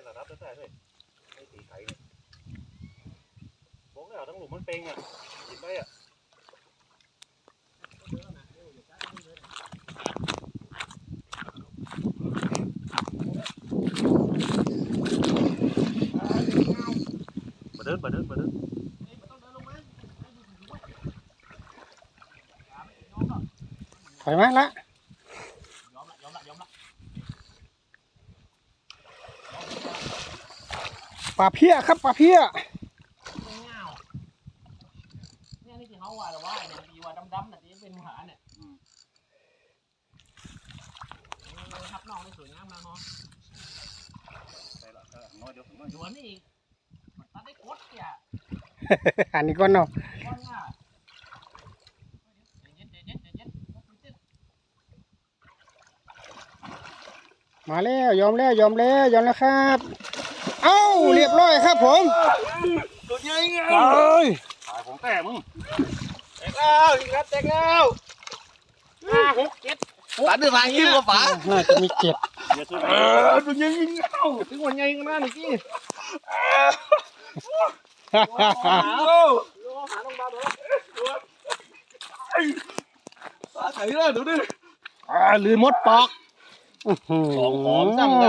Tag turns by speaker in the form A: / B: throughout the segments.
A: ระดับได้เลยไม่ตีไก่เลยบอกแล้วทั้งหลุมมันเป่งอ่ะกินได้อ่ะมาเดิน
B: ถอยมาละปลาเพี้ยครับปลาเพี้ย
C: เนี่ยนี่ที่เขาว่าแต่ว่าเนี่ยดีว่าดำๆแต่ที่เป็นหาเนี่ยทับน้องได้สวยงามมากเนาะ
A: ใช่ละน้อยเดียวน้อย
C: อยู่นี่มันตัดได้โคตรเนี่ย
B: อันนี้ก็เนาะ
C: ก้อนง่ะเย็น
B: มาแล้วยอมแล้วครับเอ้าเรียบร้อยครับผม
A: ตัวใหญ่ไง
B: เอ้ย
A: ตายของแต่มึง
C: แตกแล้วยิงครับแตกแล้ว5 6 7ฝาดื้อฝาหิ้วฝา
B: น่าจะมีเจ็ด
A: เดี๋ยวช่วย
C: ตัวใหญ่ยิงเข้าถึงวันใหญ่กันนะนี่กี้หาลงมาตัวฝาไข่เลยดูดิลืมมดปอก
B: ของหอมจังอ่ะ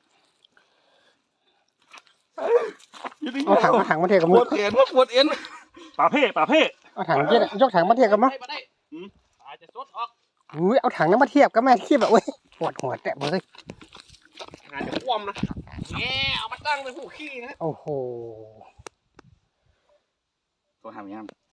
B: เอาถังมาเทกับ
C: ป
B: มื
C: ว
B: อ
C: ดแขนว่าปวดเอ็น
A: ปลาเพ่
B: เอาถังยกถังมาเทียบกันมั้ง
C: ไปได้อาจจะซดออก
B: อุ้ยเอาถังนั้นมาเทียบกันแม่เทียบแบบเว้ยปวดหัวแตะเลย
C: งานจะคว่ำนะแง่เอามาตั้งเป็นผู้ขี้นะ
B: โอ้โห
A: ตัวหามยัง